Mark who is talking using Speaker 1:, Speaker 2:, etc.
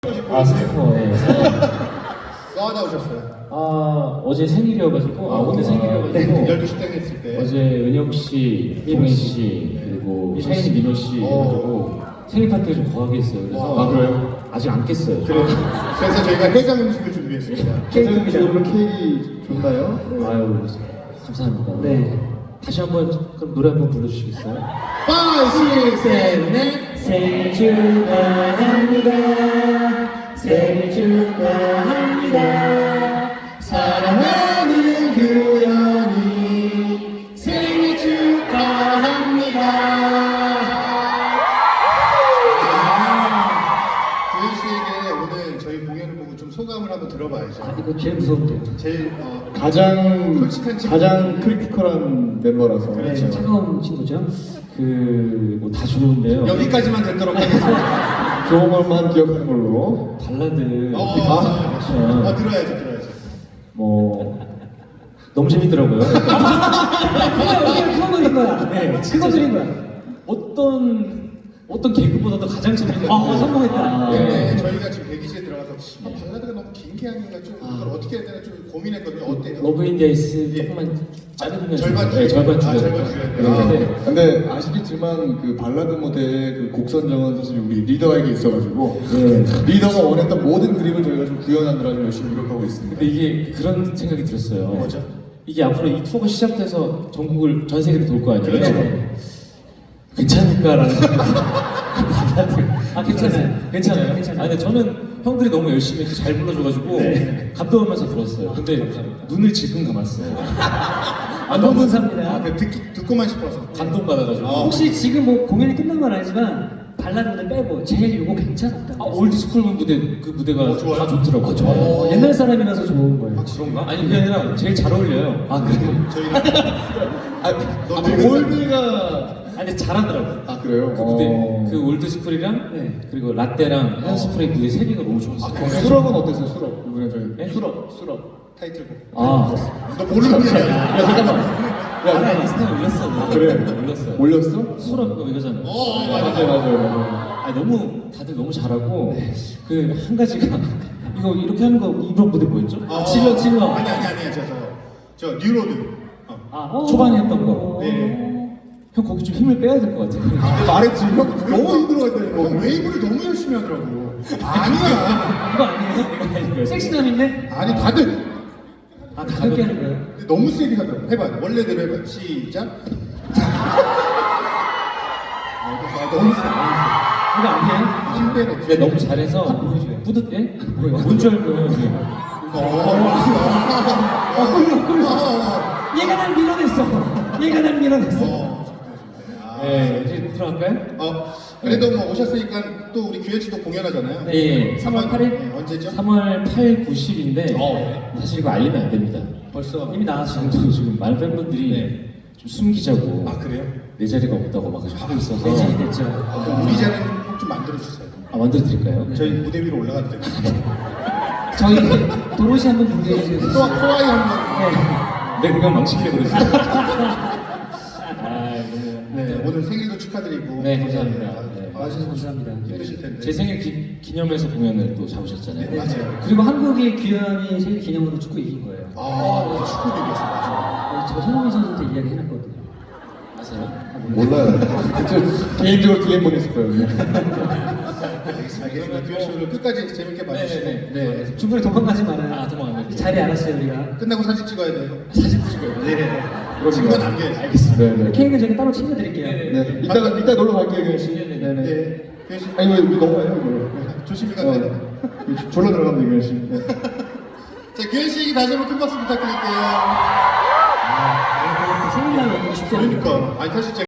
Speaker 1: 아, 스티커, 예.
Speaker 2: 뭐 하다 오셨어요?
Speaker 1: 어제 생일이어가지고, 오늘 생일이어가지고,
Speaker 2: 12시 땡 했을 때.
Speaker 1: 어제 은혁 씨, 동현 씨, 그리고 샤이니 민호 씨 해가지고 생일 파티를 좀 거하게 했어요. 그래서
Speaker 2: 그래요?
Speaker 1: 아직 안 깼어요.
Speaker 2: 그래서 저희가 해장 음식을 준비했습니다.
Speaker 3: 케이크로 케이크 좋나요?
Speaker 1: 아유, 감사합니다.
Speaker 3: 네.
Speaker 1: 다시 한번 그럼 노래 한번 불러주시겠어요?
Speaker 2: 5, 6, 7, 8.
Speaker 3: 생일 축하합니다. 생일 축하합니다.
Speaker 2: 사랑하는 규현이 생일 축하합니다. 규현 씨에게 오늘 저희 공연을 보고 좀 소감을 한번 들어봐야죠.
Speaker 3: 이거 제일 무서운데요.
Speaker 2: 제일 솔직한 친구.
Speaker 3: 가장 크리티컬한 멤버라서.
Speaker 2: 그렇죠.
Speaker 3: 차가운 친구죠.
Speaker 1: 뭐 다 좋은데요.
Speaker 2: 여기까지만 듣도록 하겠습니다.
Speaker 3: 좋은 것만 기억하는 걸로.
Speaker 1: 발라드.
Speaker 2: 들어야죠.
Speaker 1: 뭐, 너무 재밌더라고요.
Speaker 3: 그거 드린 거야.
Speaker 1: 네,
Speaker 3: 그거 드린 거야.
Speaker 1: 어떤 개그보다도 가장 재밌는
Speaker 3: 성공했다.
Speaker 2: 근데 저희가 지금 대기실에 들어가서 발라드가 너무 긴 게 아닌가 좀 이걸 어떻게 해야 되나 좀 고민했거든요. 어때요?
Speaker 1: 러브 인디아이스 조금만 자르면
Speaker 2: 절반
Speaker 1: 네, 절반
Speaker 2: 줄여야
Speaker 1: 줄여야
Speaker 2: 돼요.
Speaker 1: 네.
Speaker 4: 근데 아시겠지만 그 발라드 무대의 그 곡 선정은 사실 우리 리더에게 있어가지고 리더가 원했던 모든 그림을 저희가 좀 구현하느라 좀 열심히 노력하고 있습니다.
Speaker 1: 근데 이게 그런 생각이 들었어요.
Speaker 2: 뭐죠?
Speaker 1: 이게 앞으로 이 투어가 시작돼서 전국을 전 세계를 돌 거 아니에요?
Speaker 2: 그렇죠.
Speaker 1: 괜찮을까라는 생각이
Speaker 3: 괜찮아요.
Speaker 1: 괜찮아요.
Speaker 3: 괜찮아요.
Speaker 1: 근데 저는 형들이 너무 열심히 잘 불러줘가지고 감동하면서 들었어요. 근데 눈을 질끈 감았어요.
Speaker 3: 너무 감사합니다.
Speaker 2: 듣고만 싶어서.
Speaker 1: 감동 받아가지고.
Speaker 3: 혹시 지금 뭐 공연이 끝난 건 아니지만 발라드는 빼고 제일 요거 괜찮았다.
Speaker 1: 올드스쿨 무대 그 무대가
Speaker 2: 좋아요?
Speaker 1: 다 좋더라고요.
Speaker 3: 옛날 사람이라서 좋은 거예요.
Speaker 1: 그런가? 아니 그게 아니라 제일 잘 어울려요.
Speaker 3: 그래요?
Speaker 2: 저희는
Speaker 4: 아, 올드가
Speaker 1: 아니 잘하더라고요.
Speaker 4: 그래요?
Speaker 1: 그 무대 그 올드스쿨이랑
Speaker 3: 네.
Speaker 1: 그리고 라떼랑 헤어스프레이 무대 세 개가 너무 좋았어요.
Speaker 4: 수럽은 어땠어요? 수럽 이번에 저희
Speaker 1: 네?
Speaker 4: 수럽
Speaker 2: 타이틀곡.
Speaker 1: 아,
Speaker 2: 너 모르는 게 아니야.
Speaker 4: 야 잠깐만
Speaker 1: 야, 인스타에 올렸어.
Speaker 4: 그래?
Speaker 1: 올렸어요.
Speaker 4: 올렸어?
Speaker 1: 수럽 이거 이거잖아.
Speaker 4: 맞아요.
Speaker 1: 아 너무 다들 너무 잘하고 그 한 가지가 이거 이렇게 하는 거 이번 무대 뭐였죠?
Speaker 3: 질러.
Speaker 2: 아니 저 뉴로드.
Speaker 1: 초반에 했던 거.
Speaker 2: 네.
Speaker 1: 형 거기 좀 힘을 빼야 될 것 같아요.
Speaker 4: 말했지 형
Speaker 2: 너무 힘들어했다니까. 형 웨이브를 너무 열심히 하더라고. 아니야.
Speaker 3: 이거 아니에요? 섹시남인데?
Speaker 2: 아니 다들.
Speaker 3: 가볍게 하는 거예요?
Speaker 2: 근데 너무 세게 하더라고. 해봐. 원래대로 해봐. 시작. 너무 세.
Speaker 3: 이거 아니에요?
Speaker 2: 힘 빼네.
Speaker 1: 근데 너무 잘해서 뿌듯해? 뭔줄 알고
Speaker 3: 끌려. 얘가 날 밀어냈어.
Speaker 1: 네, 이제 들어갈까요?
Speaker 2: 그래도 뭐 오셨으니까 또 우리 규현 씨도 공연하잖아요.
Speaker 1: 네,
Speaker 3: 3월 8일?
Speaker 2: 네, 언제죠?
Speaker 1: 3월 8, 9, 10인데 사실 이거 알리면 안 됩니다.
Speaker 3: 벌써 이미 나왔어요.
Speaker 1: 지금 많은 팬분들이 좀 숨기자고
Speaker 2: 그래요?
Speaker 1: 내 자리가 없다고 막 하고 있어서
Speaker 3: 매진이 됐죠.
Speaker 2: 그럼 우리 자리는 꼭 좀 만들어 주세요.
Speaker 1: 만들어 드릴까요?
Speaker 2: 저희 무대 위로 올라가도 돼요.
Speaker 3: 저희 도로시 한번 준비해주세요.
Speaker 2: 소아이 한번.
Speaker 1: 내 그냥 망치려고 그랬어요.
Speaker 2: 네, 오늘 생일도 축하드리고.
Speaker 1: 네, 감사합니다. 네.
Speaker 3: 와주셔서 감사합니다.
Speaker 2: 힘드실 텐데.
Speaker 1: 제 생일 기념해서 공연을 또 잡으셨잖아요.
Speaker 2: 네, 맞아요.
Speaker 3: 그리고 한국이 규현이 생일 기념으로 축구 이긴 거예요.
Speaker 2: 축구도 이겼어. 맞아.
Speaker 3: 제가 손흥민 선수한테 이야기 해놨거든요.
Speaker 1: 아세요?
Speaker 4: 몰라요. 저 개인적으로 DM 보냈을 거예요.
Speaker 2: 알겠습니다. 규현 씨 오늘 끝까지 재밌게 봐주시고.
Speaker 1: 네.
Speaker 3: 중간에 도망가지 말아요.
Speaker 1: 도망가면
Speaker 3: 자리 알았어요 우리가.
Speaker 2: 끝나고 사진 찍어야 돼요.
Speaker 1: 사진 찍어요.
Speaker 2: 네. 친구 남겨야지.
Speaker 1: 알겠습니다.
Speaker 4: 네네.
Speaker 3: 케이크는 저희 따로 챙겨드릴게요.
Speaker 4: 네. 이따 놀러 갈게요, 규현 씨.
Speaker 1: 네네.
Speaker 2: 네. 규현 씨.
Speaker 4: 아니 왜 넘어가요 이거?
Speaker 2: 조심히 가세요.
Speaker 4: 졸라 들어가면 돼, 규현 씨. 네.
Speaker 2: 자, 규현 씨에게 다시 한번 큰 박수 부탁드릴게요.
Speaker 3: 생일날 오고 싶지 않아요.
Speaker 2: 그러니까. 아니, 사실 제가